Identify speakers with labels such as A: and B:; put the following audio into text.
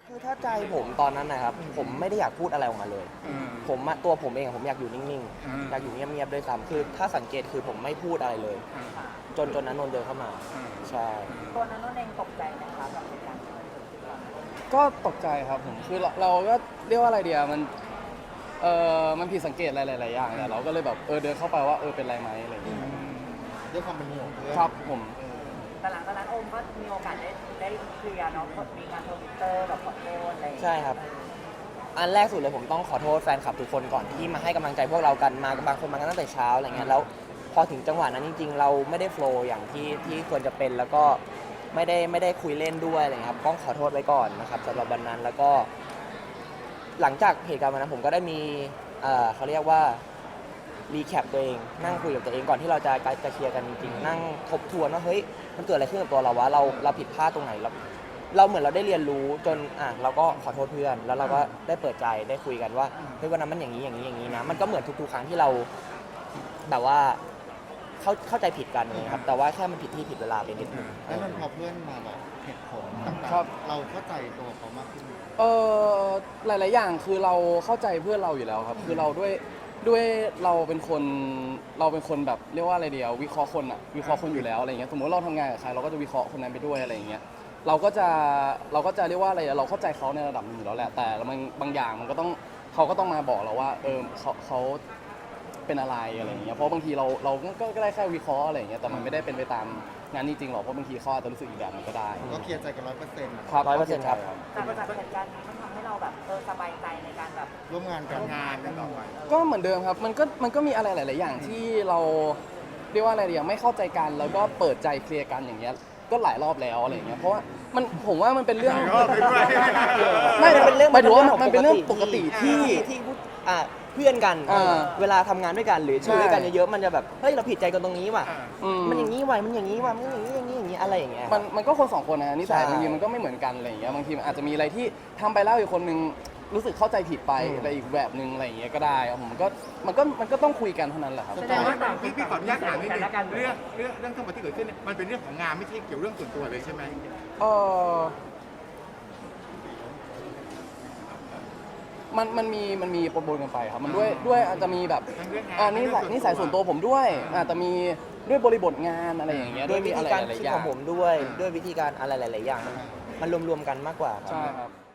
A: คือถ้าใจผมตอนนั้นนะครับผมไม่ได้อยากพูดอะไรออกมาเลยตัวผมเองผมอยากอยู่นิ่งๆอยากอยู่เงียบๆด้วยซ้ำคือถ้าสังเกตคือผมไม่พูดอะไรเลยจนนั้นนนท์เดินเข้ามาใช่
B: ตัวนั้นนนท์เองตกใจไหมคะกับเหตุการณ์ที่มันเกิดขึ้นก่อน
C: ก็ตกใจครับผมคือเราก็เรียกว่าอะไรเดียมันผิดสังเกตหลายๆอย่างแต่เราก็เลยแบบเดินเข้าไปว่าเป็นไรไหมอะไรอย่างเงี้ย
D: ด้วยความเป็นห่วงเพื่อน
C: ครับผม
B: แต่หลังจากนั้นโอมก็มีโอกาสได้เคลียร์เนาะมีการทวิตเตอร์แบบขอโทษอะไร
A: ใช่ครับอันแรกสุดเลยผมต้องขอโทษแฟนคลับทุกคนก่อนที่มาให้กำลังใจพวกเรากันมาบางคนมากันตั้งแต่เช้าอะไรเงี้ยแล้วพอถึงจังหวะนั้นจริงๆเราไม่ได้โฟล์อย่างที่ควรจะเป็นแล้วก็ไม่ได้คุยเล่นด้วยอะไรครับต้องขอโทษไว้ก่อนนะครับสำหรับวันนั้นแล้วก็หลังจากเหตุการณ์วันนั้นผมก็ได้มีเขาเรียกว่ารีแคปตัวเองนั่งคุยกับตัวเองก่อนที่เราจะเคลียร์กันจริงๆนั่งทบทวนว่าเฮ้ยมันเกิดอะไรขึ้นกับตัวเราวะเราผิดพลาดตรงไหนเราเหมือนเราได้เรียนรู้จนเราก็ขอโทษเพื่อนแล้วเราก็ได้เปิดใจได้คุยกันว่าเฮ้ยวันนั้นมันอย่างนี้นะมันก็เหมือนทุกๆครั้งที่เราแบบว่าเข้าใจผิดกันนะครับแต่ว่าแค่มันผิดที่ผิดเวลาไปนิดนึง
D: แล้วมันพอเพื่อนมาบอกเหตุผลต่างๆเราเข้าใจตัวเขามากขึ้น
C: หลายๆอย่างคือเราเข้าใจเพื่อนเราอยู่แล้วครับคือเราด้วยเราเป็นคนแบบเรียกว่าอะไรเดียววิเคราะห์คนวิเคราะห์คนอยู่แล้วอะไรเงี้ยสมมติเราทำงานกับใครเราก็จะวิเคราะห์คนนั้นไปด้วยอะไรเงี้ยเราก็จะเรียกว่าอะไรเราเข้าใจเขาในระดับหนึ่งอยู่แล้วแหละแต่บางอย่างมันก็ต้องเขาก็ต้องมาบอกเราว่าเขาเป็นอะไรอะไรอย่างเงี้ยเพราะบางทีเราก็ได้แค่วิเคราะห์อะไรอย่างเงี้ยแต่มันไม่ได้เป็นไปตามงานจริงๆหรอกเพราะบางทีเขาอาจจะรู้สึกอีกแบบนึงก็ได้
D: ก็เคลียร์ใจกัน100%
A: ครับ100%ครับ
B: แต่จากเหตุการณ์นี้มันทำให้เราแบบสบายใจในการแบบ
D: ร่วมงานกันต่อไป
C: ก็เหมือนเดิมครับมันก็มีอะไรหลายๆอย่างที่เราเรียกว่าอะไรอย่างไม่เข้าใจกันแล้วก็เปิดใจเคลียร์กันอย่างเงี้ยก็หลายรอบแล้วอะไรอย่างเงี้ยเพราะว่าผมว่ามันเป็นเรื่องไม่เป็นเรื่องหมายถึงว่ามันเป็นเรื่องปกติที่
A: เพื่อนกันเวลาทำงานด้วยกันหรือช่วยกันเยอะๆมันจะแบบเฮ้ยเราผิดใจกันตรงนี้ว่ะมันอย่างนี้ว่ะมันอย่างนี้ว่ะมันอย่างนี้อะไรอย่างเงี้ย
C: มันก็คนสองคนนะนิสัยบางทีมันก็ไม่เหมือนกันอะไรอย่างเงี้ยบางทีมันอาจจะมีอะไรที่ทำไปแล้วอีกคนนึงรู้สึกเข้าใจผิดไปอะไรอีกแบบนึงอะไรอย่างเงี้ยก็ได้มันก็ต้องคุยกันเท่านั้นแหละครับ
E: แสดงว่าพี่ขออนุญาตถามนิดนึงเรื่องทั้งหมดที่เกิดขึ้นมันเป็นเรื่องของงานไม่ใช่เกี่ยวเรื่องส่วนตัวเลยใช่ไหม
C: มันมีปนกันไปครับมันด้วยอาจจะมีแบบนิสัยส่วนตัวผมด้วยอาจจะมีด้วยบริบทงานอะไรอย่างเงี้ย
A: ด้วยวิธีการคิดของผมด้วยวิธีการอะไรหลายๆอย่างมันรวมๆกันมากกว่า
C: ใช่ครับ